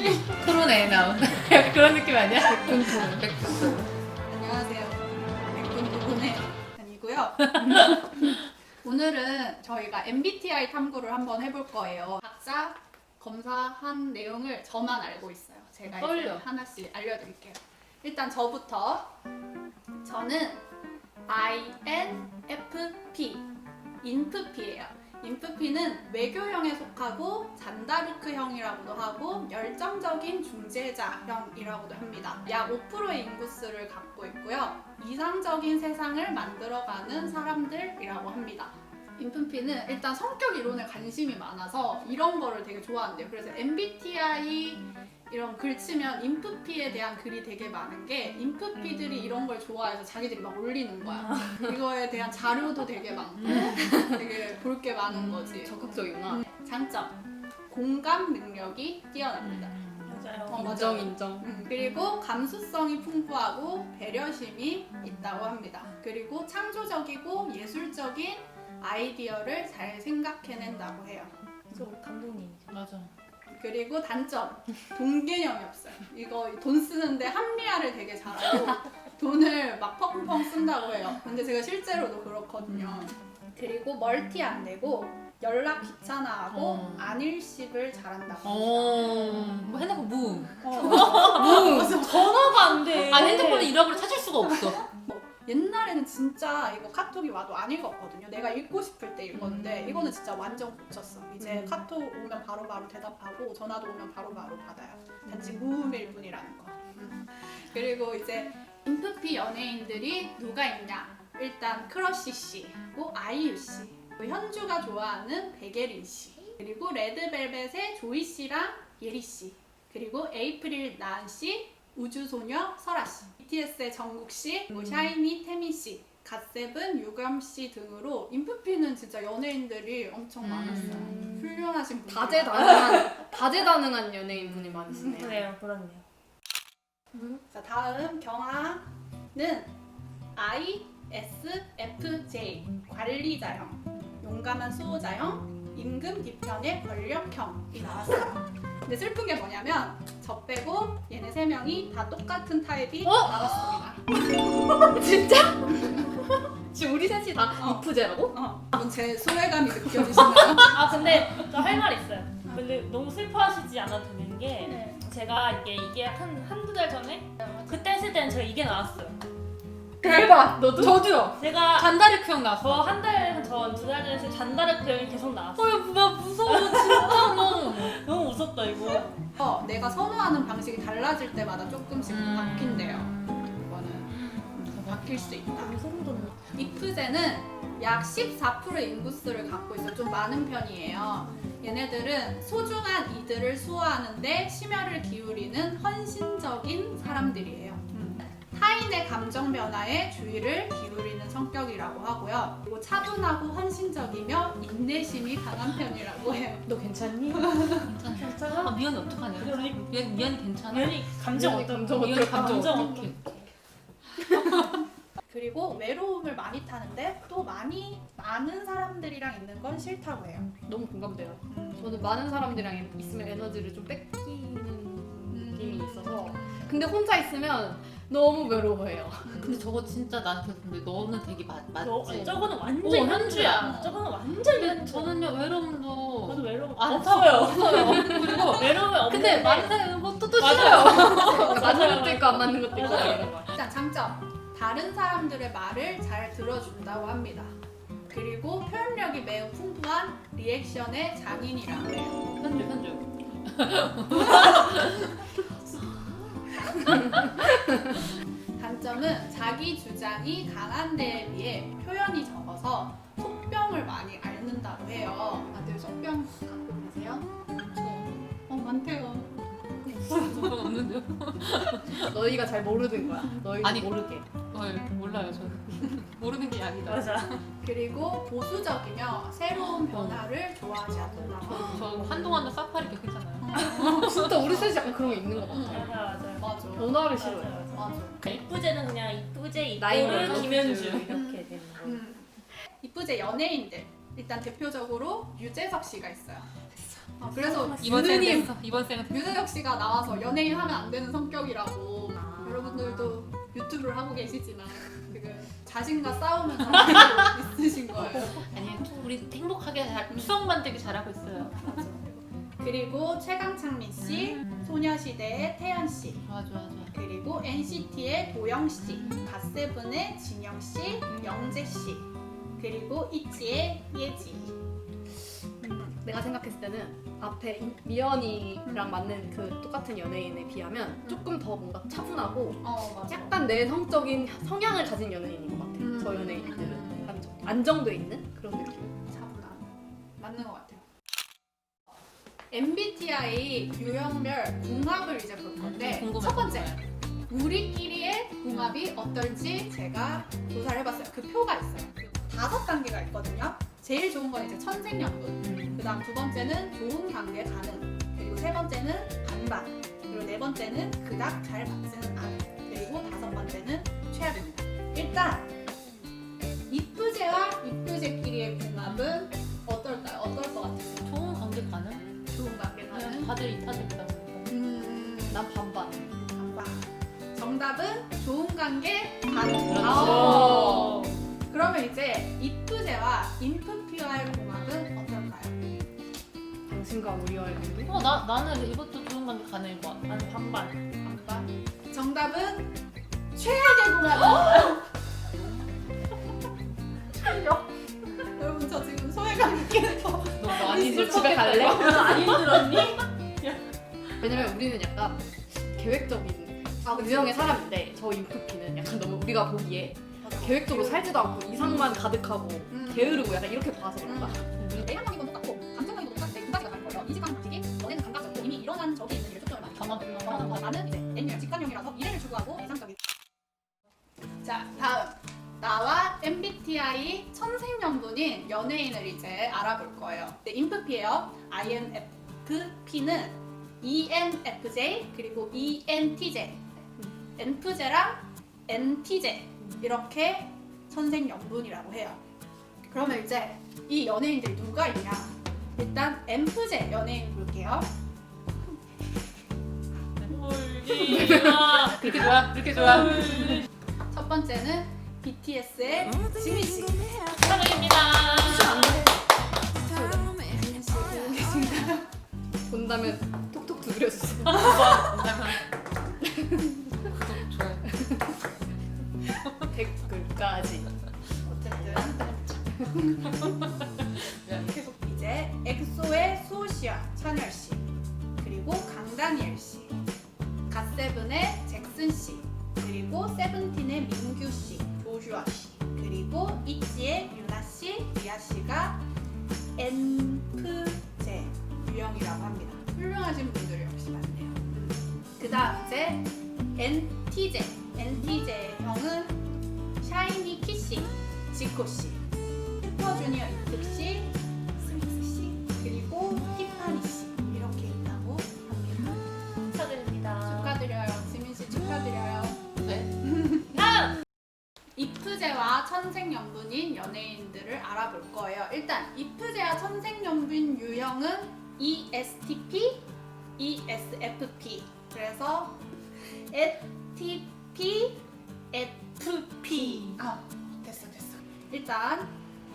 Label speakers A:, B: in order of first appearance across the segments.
A: 토론에 나온 그런 느낌 아니야? 백분
B: 안녕하세요. 백분토론의 아니고요. 오늘은 저희가 MBTI 탐구를 한번 해볼 거예요. 각자 검사한 내용을 저만 알고 있어요. 제가 이제
A: 떨려.
B: 하나씩 알려드릴게요. 일단 저부터. 저는 INFP, 인프피예요. 인프피는 외교형에 속하고 잔다르크형이라고도 하고 열정적인 중재자형이라고도 합니다. 약 5%의 인구수를 갖고 있고요. 이상적인 세상을 만들어가는 사람들이라고 합니다. 인프피는 일단 성격 이론에 관심이 많아서 이런 거를 되게 좋아한대요. 그래서 MBTI 이런 글 치면 인프피에 대한 글이 되게 많은 게 인프피들이 이런 걸 좋아해서 자기들이 막 올리는 거야. 이거에 대한 자료도 되게 많고 되게 볼 게 많은 거지.
A: 적극적이구나.
B: 장점, 공감 능력이 뛰어납니다.
C: 맞아요.
A: 인정 인정.
B: 그리고 감수성이 풍부하고 배려심이 있다고 합니다. 그리고 창조적이고 예술적인 아이디어를 잘 생각해낸다고 해요.
C: 그래서 우리 감독님이죠.
A: 맞아.
B: 그리고 단점, 돈 개념이 없어요. 이거 돈 쓰는데 합리화를 되게 잘하고 돈을 막 펑펑 쓴다고 해요. 근데 제가 실제로도 그렇거든요. 그리고 멀티 안 되고 연락 귀찮아하고 안일십을 잘한다고 합니다.
A: 뭐 핸드폰 무.
C: 전화가 안 돼.
A: 아니 핸드폰을 잃어버려 찾을 수가 없어.
B: 옛날에는 진짜 이거 카톡이 와도 안 읽었거든요. 내가 읽고 싶을 때 읽었는데 이거는 진짜 완전 고쳤어. 이제 카톡 오면 바로바로 대답하고 전화도 오면 바로바로 받아요. 단지 무음일 뿐이라는 거. 그리고 이제 인프피 연예인들이 누가 있냐? 일단 크러쉬 씨, 그리고 아이유 씨, 그리고 현주가 좋아하는 백예린 씨, 그리고 레드벨벳의 조이 씨랑 예리 씨, 그리고 에이프릴 나은 씨, 우주소녀 설아 씨, BTS의 정국 씨, 그리고 샤이니 태민 씨, 갓세븐 유겸 씨 등으로 인프피는 진짜 연예인들이 엄청 많았어요. 훌륭하신 분들.
D: 다재다능한 연예인분이 많으시네요.
C: 그래요, 그렇네요.
B: 자, 다음 경아는 ISFJ 관리자형, 용감한 수호자형, 임금 뒤편의 권력형이 나왔어요. 근데 슬픈 게 뭐냐면 저 빼고 얘네 세 명이 다 똑같은 타입이 나왔습니다.
D: 진짜? 지금 우리 셋이 다 이프제라고?
B: 그럼 제 소외감이 느껴지시나요?
C: 아 근데 저 할 말 있어요. 근데 너무 슬퍼하시지 않아도 되는 게
B: 네.
C: 제가 이게 한두 달 전에 그때 했을 때는 제가 이게 나왔어요.
D: 대박! 너도?
A: 저도요.
C: 제가
A: 잔다르크 형 나왔어.
C: 저 한 달 전, 두 달 전에 했을 때 잔다르크 형이 계속 나왔어요.
A: 나 무서워 진짜 너.
C: 너무 무섭다 이거.
B: 내가 선호하는 방식이 달라질 때마다 조금씩 바뀐대요. 이거는 바뀔 수 있다.
C: 소름 돋네.
B: 이프제는 약 14%의 인구수를 갖고 있어 좀 많은 편이에요. 얘네들은 소중한 이들을 수호하는데 심혈을 기울이는 헌신적인 사람들이에요. 타인의 감정 변화에 주의를 기울이는 성격이라고 하고요. 그리고 차분하고 헌신적이며 인내심이 강한 편이라고 해요.
D: 너 괜찮니?
C: 괜찮아?
A: 미연이 어떡하냐? 미연이 괜찮아?
C: 연이 감정
D: 미연이
C: 어떤
D: 감정
C: 거?
D: 어떨까?
C: 감정
A: 어떡해?
B: 그리고 외로움을 많이 타는데 또 많은 사람들이랑 있는 건 싫다고 해요.
D: 너무 공감돼요. 저는 많은 사람들이랑 있으면 에너지를 좀 뺏기는 느낌이 있어서 근데 혼자 있으면 너무 외로워해요.
A: 근데 저거 진짜 나한테 근데 너는 되게 맞지?
C: 저거는 완전
A: 현주야.
C: 저거는 완전
A: 근데 저는요 외로움도
C: 저도 외로움
A: 안
C: 없어요.
A: 그리고
C: 외로움이 없는데
A: 근데 많은 사람은 뭐또
C: 맞아요.
A: 싫어요.
D: 맞는 것도 있고 안 맞는 것도 있고
C: 맞아요.
D: 이런 거.
B: 일단 장점, 다른 사람들의 말을 잘 들어준다고 합니다. 그리고 표현력이 매우 풍부한 리액션의 장인이라고 해요.
A: 현주.
B: 단점은 자기 주장이 강한 데에 비해 표현이 적어서 속병을 많이 앓는다고 해요. 다들 속병 갖고 계세요? 많대요.
A: 저건 없는데요?
D: 너희가 잘 모르는 거야. 너희가
A: 아니,
D: 모르게.
A: 몰라요 저는. 모르는 게 아니다.
C: 맞아.
B: 그리고 보수적이며 새로운 변화를 좋아하지 않는다고 합니다.
A: 저 한동안은 사파리 겪었잖아요.
D: 진짜 우리 셋이 약간 그런 거 있는 것 같아.
C: 맞아.
B: 맞아.
D: 변화를 싫어해.
C: 맞아.
B: 맞아.
C: 이쁘제는 그냥 이쁘제
D: 나이를
C: 이쁘를 김현주
D: 넣어주죠.
C: 이렇게 되는 거.
B: 이쁘제 연예인들. 일단 대표적으로 유재석 씨가 있어요. 그래서
A: 이번 생은
B: 유느님,
A: 됐어. 이번 생은 됐어.
B: 유재석 씨가 나와서 연예인 하면 안 되는 성격이라고 여러분들도 유튜브를 하고 계시지만 지금 자신과 싸우면서 하고 있으신 거예요.
A: 아니 우리 행복하게 추억 만들기 잘하고 있어요.
B: 그리고 최강창민 씨, 소녀시대의 태연 씨,
A: 좋아 좋아 좋아.
B: 그리고 NCT의 도영 씨, 갓세븐의 진영 씨, 영재 씨, 그리고 이치의 예지.
D: 내가 생각했을 때는 앞에 미연이랑 맞는 그 똑같은 연예인에 비하면 조금 더 뭔가 차분하고
B: 맞아.
D: 약간 내성적인 성향을 가진 연예인인 것 같아요. 저 연예인들은 약간 좀 안정돼 있는 그런 느낌.
B: 차분함. 맞는 것 같아요. MBTI 유형별 궁합을 이제 볼 건데
A: 궁금해.
B: 첫 번째, 우리끼리의 궁합이 어떨지 제가 조사를 해봤어요. 그 표가 있어요. 그 5단계가 있거든요. 제일 좋은 건 이제 천생연분. 그다음 두 번째는 좋은 관계 가능. 그리고 세 번째는 반반. 그리고 네 번째는 그닥 잘 맞지는 않은. 그리고 다섯 번째는 최악입니다. 일단 이쁘제와 이쁘제끼리의 궁합은 어떨까요? 어떨 것 같아요?
A: 좋은 관계 가능?
B: 좋은 관계 가능.
A: 그냥 다들 이타적이다.
D: 난 반반.
B: 반반. 정답은 좋은 관계 가능.
A: 그렇죠.
B: 그러면 이제 이쁘제와 인프피와의 궁합은 어떨까요?
D: 당신과 우리와의 관계?
A: 나는 이것도 좋은 관계 가능일 것 같아.
C: 나는 반반.
B: 반반. 정답은 최악의 궁합입니다. 여러분 저 지금 소외감 느끼면서
A: 너 많이
D: 집에 갈래?
C: 안 힘들었니?
D: 왜냐면 우리는 약간 계획적인 유형의 사람인데 저 인프피는 약간 너무 우리가 보기에 계획적으로 살지도 않고 이상만 가득하고 게으르고 약간 이렇게 봐서 그런가?
B: 내향적인 건 똑같고 감정적인 건 똑같은데 두 가지가 다른 거예요. 이직하는 방식이 너네는 감각적이고 이미 일어난 적이 있는 일에 초점을 많이
A: 가만
B: 나는 이제 N유형, 직관형이라서 미래를 추구하고 이상적인. 자, 다음 나와 MBTI 천생연분인 연예인을 이제 알아볼 거예요. 네, 인프피예요. INFP는 ENFJ 그리고 ENTJ, NFJ랑 NTJ 이렇게 천생연분이라고 해요. 그러면 이제 이 연예인들이 누가 있냐? 일단 NFJ 연예인 볼게요.
A: 그렇게 좋아? 그렇게 좋아?
B: 첫 번째는 BTS의 지민 씨.
C: 축하드립니다.
D: 본다면 톡톡 두드려주세요.
A: 구독 좋아요.
D: 댓글까지.
B: 어쨌든 계속 이제 엑소의 수호씨와 찬열씨, 그리고 강다니엘 씨, 갓세븐의 잭슨 씨, 그리고 세븐틴의 민규 씨, 조슈아 씨, 그리고 이치의 유나 씨, 리아 씨가 NFJ 유형이라고 합니다. 훌륭하신 분들이 역시 많네요. 그다음 이제 NTJ형은 샤이니 키 씨, 지코 씨, 슈퍼주니어 이특 씨, 스미스 씨, 그리고 티파니 씨 이렇게 있다고 합니다.
C: 축하드립니다.
B: 축하드려요, 지민 씨 축하드려요.
A: 네.
C: 다음!
B: 이프제와 천생연분인 연예인들을 알아볼 거예요. 일단 이프제와 천생연분 유형은 ESTP, ESFP. 그래서 ETP, FP. 됐어. 일단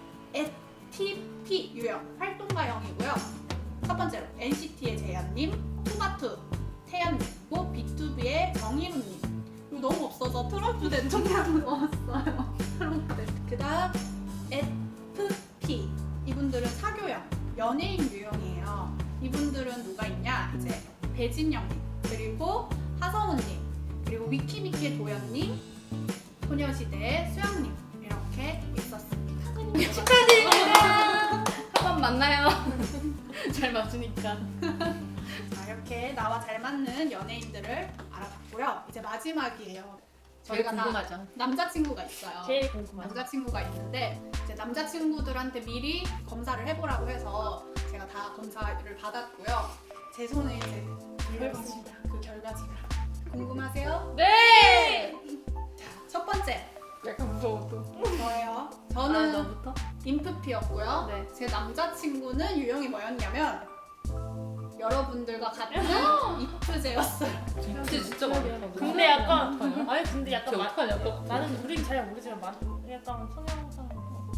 B: ETP 유형 활동가형이고요. 첫 번째로 NCT의 재현님, 투마투 태연님, 그리고 B2B의 정희루님. 이거 너무 없어서 트럼프 대통령 넣었어요. 그 다음 FP. 이분들은 사교형, 연예인 유형이에요. 이분들은 누가 있냐? 이제 배진영님, 그리고 하성우님, 그리고 위키미키의 도연님, 소녀시대의 수영님 이렇게 있었습니다.
D: 축하드립니다. 한번 만나요. 잘 맞추니까.
B: 자, 이렇게 나와 잘 맞는 연예인들을 알아봤고요. 이제 마지막이에요.
A: 제일
B: 저희가 다
A: 궁금하죠.
B: 남자친구가 있어요.
C: 제일 궁금하죠.
B: 남자친구가 있는데 이제 남자친구들한테 미리 검사를 해보라고 해서 제가 다 검사를 받았고요. 제 손에 이제 들려있습니다. 그 결과지가. 궁금하세요?
C: 네!
B: 자, 첫 번째
D: 약간 무서워 또.
B: 저예요. 저는
D: 너부터?
B: 인프피였고요.
D: 네.
B: 제 남자친구는 유형이 뭐였냐면 여러분들과 같은 이프제였어요.
A: 이프제 진짜 많다.
C: 근데 약간 아니 근데 약간
A: 어떡하냐?
C: 나는 우린 잘 모르지만 약간 성향상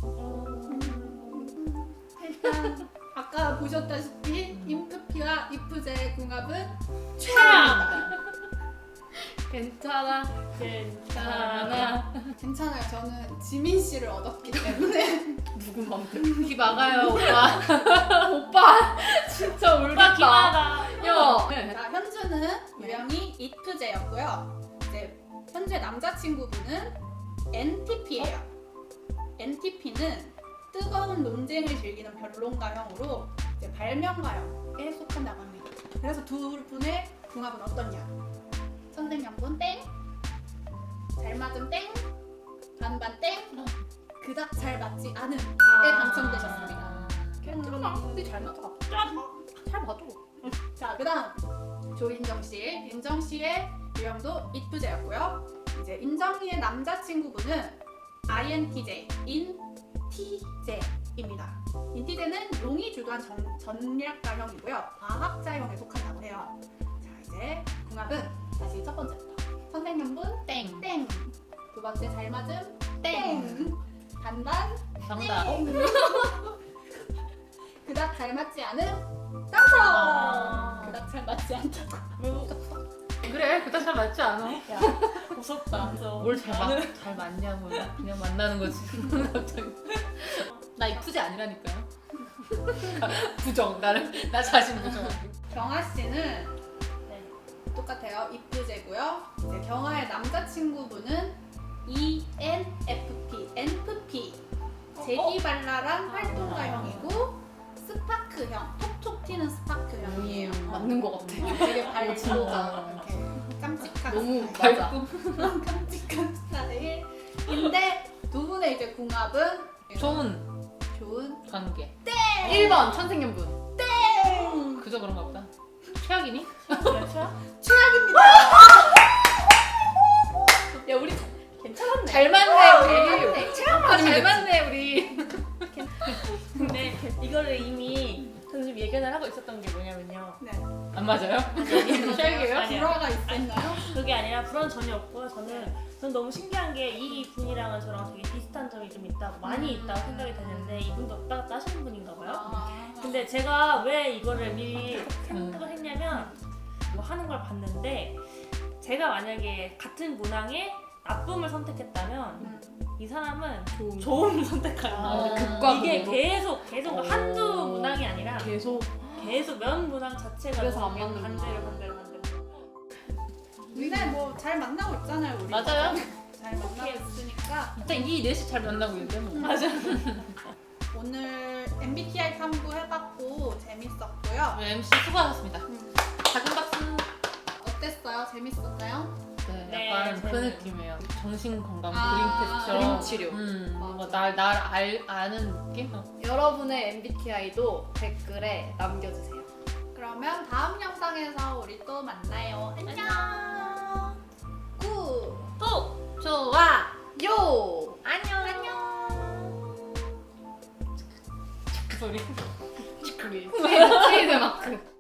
B: 일단 아까 보셨다시피 인프피와 이프제의 궁합은
C: 최악.
D: 괜찮아.
C: 괜찮아.
B: 괜찮아요. 저는 지민 씨를 얻었기 때문에
D: 누군 맘대로.
A: 기 막아요 오빠.
D: 오빠 진짜
C: 오빠
D: 울겠다.
C: 기마다.
D: 야.
B: 자, 현주는 유형이 이프제였고요. 이제 현재 남자친구분은 NTP예요. NTP는 뜨거운 논쟁을 즐기는 변론가형으로 이제 발명가형에 속한다고 합니다. 그래서 두 분의 궁합은 어떠냐? 선생님분 땡, 잘 맞음 땡, 반반 땡, 그닥 잘 맞지 않음에 당첨되셨습니다.
D: 괜찮아. 우리 잘 맞아. 잘 맞아.
B: 자, 그다음 조인정 씨, 인정 씨의 유형도 이프제였고요. 이제 인정이의 남자친구분은 INTJ, 인TJ입니다. 인TJ는 용이 주도한 전략가형이고요. 과학자형에 속한다고 해요. 자, 이제 궁합은 다시 첫 번째부터. 선생님분
A: 땡.
B: 땡. 두 번째 잘 맞음 땡. 반반
A: 정답.
B: 땡. 그닥 잘 맞지 않음 당첨. 그닥 잘 맞지 않다고.
A: 그래 그닥 잘 맞지 않아.
C: 무섭다.
A: 뭘잘 맞냐고 그냥 만나는 거지. 갑자기. 나 이프제 아니라니까요. 부정 나 자신 부정.
B: 경아 씨는
C: 네.
B: 똑같아요. 이프제고요. 이제 경아의 남자친구분은 ENFP, NFP, 재기발랄한 활동가형이고 스파크형, 톡톡 튀는 스파크형이에요.
D: 맞는 것 같아.
B: 되게 밝고
A: 진짜.
B: 이렇게 깜찍한
D: 너무
B: 스타일.
D: 밝고.
B: 깜찍한 스타일인데 두 분의 이제 궁합은
A: 좋은 관계.
D: 1번 천생연분.
B: 땡!
A: 그저 그런가 보다. 최악이니?
C: 그렇죠?
B: 최악입니다.
D: 야 우리 괜찮았네.
A: 잘 맞네
D: 우리. 최악만 잘 맞네 우리.
C: 근데 이거를 이미 선생님 예견을 하고 있었던 게 뭐냐면요.
B: 네.
A: 안 맞아요? 최악이에요?
C: 아니야.
B: 불화가 있었나요?
C: 그게 아니라 불안 전혀 없고요. 저는 너무 신기한 게 이 분이랑은 저랑 되게 비슷한 점이 좀 있다고 많이 있다고 생각이 되는데 이분도 왔다 갔다 하시는 분인가 봐요.
B: 아.
C: 근데 제가 왜 이거를 미리 생각을 했냐면 뭐 하는 걸 봤는데 제가 만약에 같은 문항에 나쁨을 선택했다면 이 사람은 좋은 선택하는 거예요.
D: 극과
C: 이게
D: 극으로?
C: 계속 한두 문항이 아니라
D: 계속.
C: 계속 면 문항 자체가
D: 그래서
C: 너무
D: 안 맞는
C: 반대로.
B: 근데 뭐 잘 만나고 있잖아요 우리.
A: 맞아요.
B: 잘 만나고 있으니까
A: 일단 이 넷이 잘 만나고 있는데 뭐.
C: 맞아.
B: 오늘 MBTI 탐구 해봤고 재밌었고요.
A: MC 수고하셨습니다. 작은 박수.
B: 어땠어요? 재밌었나요?
A: 네, 약간
C: 네,
A: 그
C: 저는-
A: 느낌이에요. 정신 건강
B: 아,
A: 그림 테스트처럼.
D: 그림 치료.
A: 뭔가
D: 맞아.
A: 날 아는 느낌?
D: 여러분의 MBTI도 댓글에 남겨주세요.
B: 그러면 다음 영상에서 우리 또 만나요. 안녕. 굿.
C: 또
A: 좋아.
D: 요!
B: 안녕.
A: 그 소리.
D: 트레이드 마크.